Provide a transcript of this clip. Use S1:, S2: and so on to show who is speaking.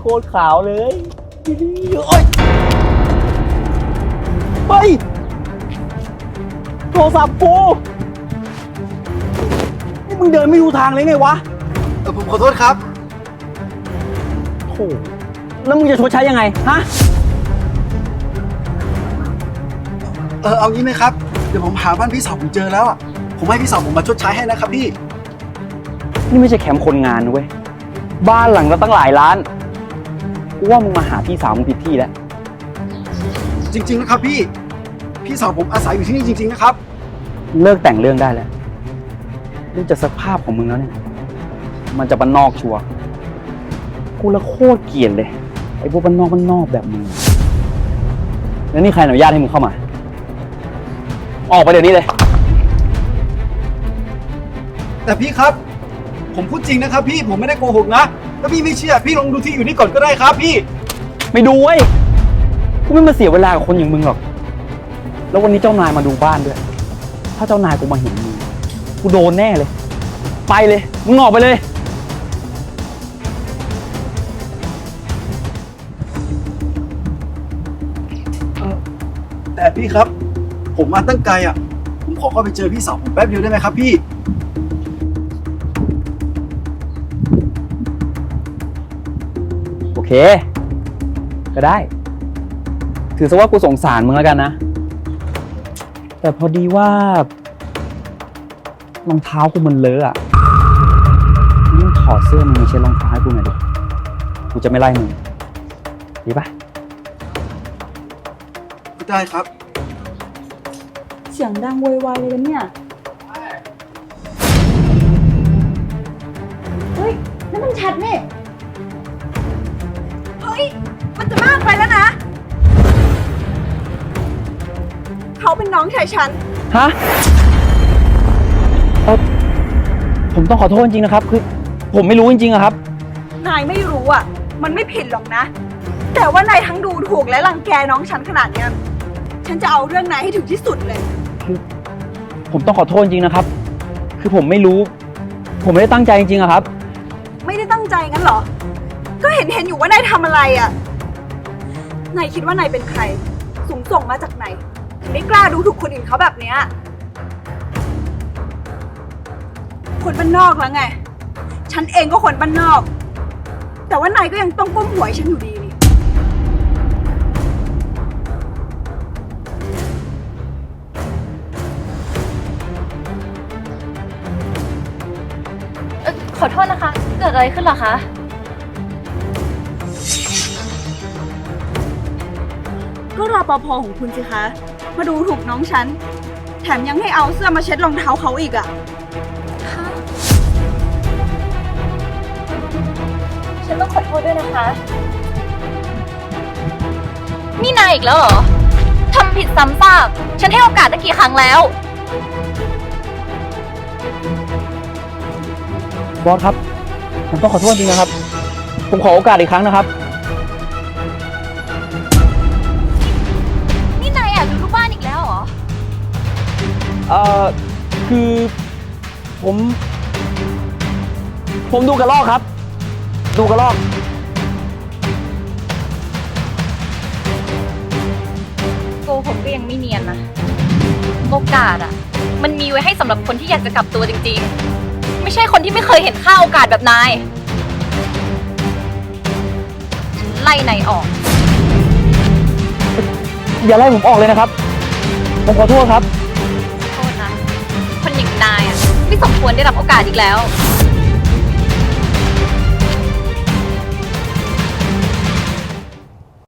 S1: คตรขาวเลยโอ๊ยเฮ้ยโทรศัพท์กูนี่มึงเดินไม่ดูทางเลยไงวะ
S2: ผมขอโทษครับ
S1: โธ่แล้วมึงจะชดใช้ยังไงฮะ
S2: เอางี้ไหมครับ เดี๋ยวผมหาบ้านพี่สาวผมเจอแล้วอ่ะ ผมให้พี่สาวผมมาชดใช้ให้นะครับพี่
S1: นี่ไม่ใช่แคมป์คนงานนะเว้ยบ้านหลังละตั้งหลายล้านกูว่ามึงมาหาพี่สาวมึงผิดที่แล้ว
S2: จริงๆนะครับพี่ พี่สาวผมอาศัยอยู่ที่นี่จริงๆนะครับ
S1: เลิกแต่งเรื่องได้แล้วดูจากสภาพของมึงแล้วเนี่ยมันจะบ้านนอกชัวร์กูละโคตรเกลียดเลยไอ้พวกบ้านนอกแบบมึงแล้วนี่ใครอนุญาตให้มึงเข้ามาออกไปเดี๋ยวนี้เลย
S2: แต่พี่ครับ ผมพูดจริงนะครับพี่ ผมไม่ได้โกหกนะ ถ้าพี่ไม่เชื่อ พี่ลองดูที่อยู่นี่ก่อนก็ได้ครับพี่
S1: ไม่ดูเว้ยกูไม่มาเสียเวลากับคนอย่างมึงหรอกแล้ววันนี้เจ้านายมาดูบ้านด้วยถ้าเจ้านายกูมาเห็นมึงกูโดนแน่เลยไปเลยมึงออกไปเลย
S2: แต่พี่ครับ ผมมาตั้งไกลอ่ะ ผมขอเข้าไปเจอพี่สาวผมแป๊บเดียวได้ไหมครับพี่
S1: โอเคก็ได้ถือซะว่ากูสงสารมึงแล้วกันนะแต่พอดีว่ารองเท้ากูมันเลอะอ่ะยิ่งถอดเสื้อมึงมาเช็ดรองเท้าให้กูหน่อยดิกูจะไม่ไล่มึงดีปะ
S2: ได้ครับ
S3: เสียงดังโวยวายเลยนะเนี่ย เฮ้ยนั่นมันชัดนี่ เฮ้ย มันจะมากไปแล้วนะ เขาเป็นน้องชายฉัน
S1: ฮะผมต้องขอโทษจริงๆนะครับคือผมไม่รู้จริงๆอะครับ
S3: นายไม่รู้อ่ะ มันไม่ผิดหรอกนะ แต่ว่านายทั้งดูถูกและรังแกน้องฉันขนาดเนี้ย ฉันจะเอาเรื่องนายให้ถึงที่สุดเลย
S1: ผมต้องขอโทษจริงๆนะครับ คือผมไม่รู้ ผมไม่ได้ตั้งใจจริงๆอะครับ
S3: ไม่ได้ตั้งใจงั้นเหรอ ก็เห็นอยู่ว่านายทำอะไรอ่ะ นายคิดว่านายเป็นใคร สูงส่งมาจากไหนถึงไม่กล้าดูถูกคนอื่นเขาแบบเนี้ยคนบ้านนอกแล้วไง ฉันเองก็คนบ้านนอก แต่ว่านายก็ยังต้องก้มหัวให้ฉันอยู่ดีนี่
S4: ขอโทษนะคะ เกิดอะไรขึ้นเหรอคะ
S3: ก็รปภของคุณสิคะ มาดูถูกน้องฉัน แถมยังให้เอาเสื้อมาเช็ดรองเท้าเขาอีกอ่ะ
S4: ฉันต้องขอโทษด้วยนะคะ นี่นายอีกแล้วเหรอ ทำผิดซ้ำซาก ฉันให้โอกาสตั้งกี่ครั้งแล้ว
S1: บอสครับ ผมต้องขอโทษจริงนะครับ ผมขอโอกาสอีกครั้งนะครับ
S4: นี่นายแอบดูลูกบ้านอีกแล้วเหรอ
S1: คือผมดูกระรอกครับ ดูกระรอก
S4: โกหกก็ยังไม่เนียนนะ โอกาสอะมันมีไว้ให้สำหรับคนที่อยากจะกลับตัวจริงๆ ไม่ใช่คนที่ไม่เคยเห็นค่าโอกาสแบบนายฉันไล่นายออก
S1: อย่าไล่ผมออกเลยนะครับ ผมขอโทษครับ
S4: โทษนะ คนอย่างนายอะไม่สมควรได้รับโอกาสอีกแล้ว